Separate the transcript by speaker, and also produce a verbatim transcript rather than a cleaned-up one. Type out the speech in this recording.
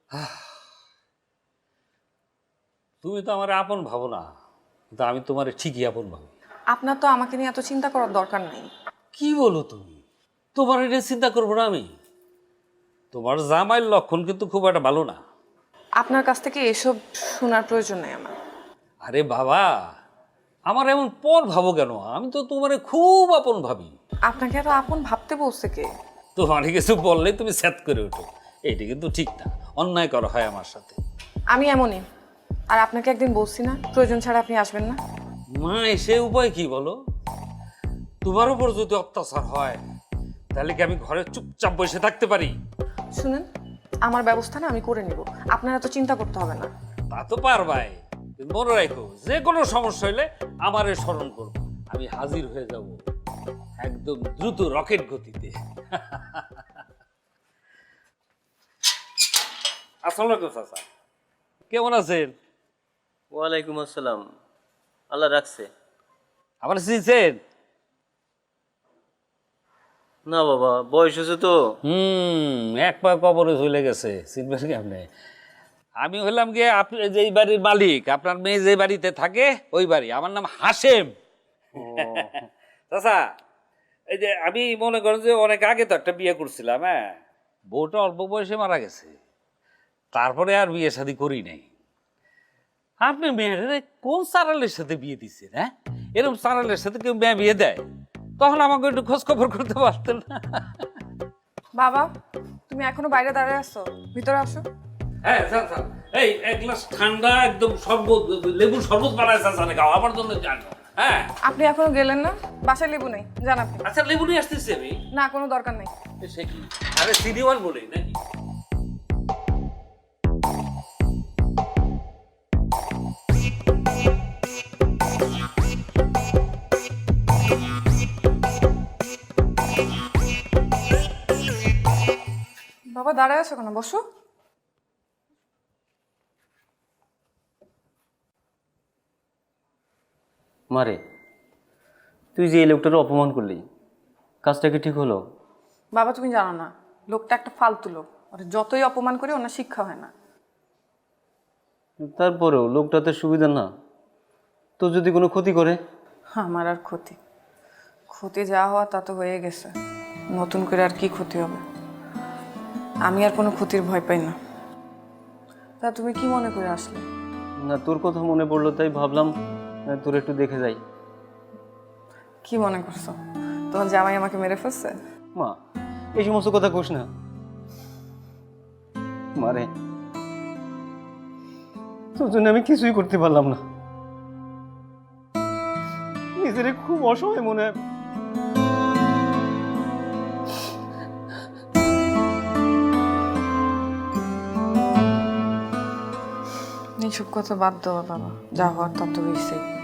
Speaker 1: তুমি তো আমার আপন ভাবো না, কিন্তু আমি তোমার ঠিকই আপন ভাবি।
Speaker 2: আপনার তো আমাকে নিয়ে এত চিন্তা করার দরকার নেই।
Speaker 1: কি বলো তুমি? তোমার এটা চিন্তা করবো না আমি? তোমার জামাইয়ের লক্ষণ কিন্তু খুব একটা ভালো না।
Speaker 2: আপনার কাছ থেকে এসব শোনার প্রয়োজন নেই আমার।
Speaker 1: আরে বাবা, আমার এমন পর ভাবো কেন? আমি তো তোমারে খুব আপন ভাবি।
Speaker 2: আপনাকে এত আপন ভাবতে বলছে কে?
Speaker 1: তোমার কিছু বললেই তুমি স্যাত করে ওঠো, এইটা কিন্তু ঠিক না। অন্যায় করা হয় আমার সাথে।
Speaker 2: আমি এমনই। আর আপনাকে একদিন বলছি না প্রয়োজন ছাড়া আপনি আসবেন না।
Speaker 1: মা, সে উপায় কি বলো? তোমার উপর যদি অত্যাচার হয় তাহলে কি আমি ঘরে চুপচাপ বসে থাকতে পারি?
Speaker 2: শুনেন, আমার ব্যবস্থা না আমি করে নিব, আপনার এত চিন্তা করতে হবে না।
Speaker 1: তা তো পারবাই, কিন্তু মনে রাখো যে কোনো সমস্যা হলে আমারে স্মরণ করবো। আমি হাজির হয়ে যাব একদম দ্রুত রকেট গতিতে। আসসালামু আলাইকুম চাচা, কেমন আছেন?
Speaker 3: ওয়ালাইকুম আসসালাম। আল্লাহ রাখছে।
Speaker 1: আমার চিনছেন?
Speaker 3: না বাবা, বয়স হয়েছে তো।
Speaker 1: হুম এক পা কবরে চলে গেছে, চিনবেন কেমনে? আমি হলাম গিয়ে আপনি যেই বাড়ির মালিক, আপনার মেয়ে যে বাড়িতে থাকে ওই বাড়ি। আমার নাম হাশেম। চাচা, এই যে আমি মনে করেন যে অনেক আগে তো একটা বিয়ে করছিলাম, হ্যাঁ, বউটা অল্প বয়সে মারা গেছে, তারপরে আর বিয়ে শাদী করি নাই। আপনি মেয়ের কোন সারালের সাথে বিয়ে দিচ্ছেন? হ্যাঁ, এরকম সারালের সাথে কেউ মেয়ে বিয়ে দেয়? তখন আমাকে একটু খোঁজ খবর করতে পারতেন না?
Speaker 2: বাবা, তুমি এখনো বাইরে দাঁড়িয়ে আছো, ভিতরে আসো।
Speaker 1: হ্যাঁ স্যার, স্যার এই এক গ্লাস ঠান্ডা একদম শরবত, লেবুর শরবত বানায় স্যার, জানে খাও আমার জন্য জানো। হ্যাঁ,
Speaker 2: আপনি এখনো গেলেন না? বাসায় লেবু নেই, জান আপনি।
Speaker 1: আচ্ছা লেবু নিয়ে আসতেছি আমি।
Speaker 2: না, কোনো দরকার নেই।
Speaker 1: সে কি? আরে সিডিওয়ান বলেই নাকি?
Speaker 2: বাবা দাঁড়ায় আছো কেন? বসো।
Speaker 3: মারে, তুই যে এই লোকটার অপমান করলি, কাজটা কি ঠিক হলো?
Speaker 2: বাবা তুমি জানো না, লোকটা একটা ফালতু লোক। ওর যতই অপমান করে ওনার শিক্ষা হয় না।
Speaker 3: তারপরেও লোকটা তো সুবিধা না, তো যদি কোনো ক্ষতি করে?
Speaker 2: আমার আর ক্ষতি ক্ষতি যা হওয়া তা তো হয়ে গেছে, নতুন করে আর কি ক্ষতি হবে? আমি আর কোনো ক্ষতির ভয় পাই না। তা তুমি কি মনে করে আসলে?
Speaker 3: না, তোর কথা মনে পড়লো তাই ভাবলাম আহ, তোর একটু দেখে যাই।
Speaker 2: কি মনে করছো তোমার জামাই আমাকে মেরে ফেলছে?
Speaker 3: মা, এই সমস্ত কথা কোস না। মারে, তোর জন্য আমি কিছুই করতে পারলাম না, নিজের খুব অসহায় মনে হয়।
Speaker 2: এইসব কথা বাদ দেওয়া বাবা, যা হওয়ার তা তো হয়েছেই।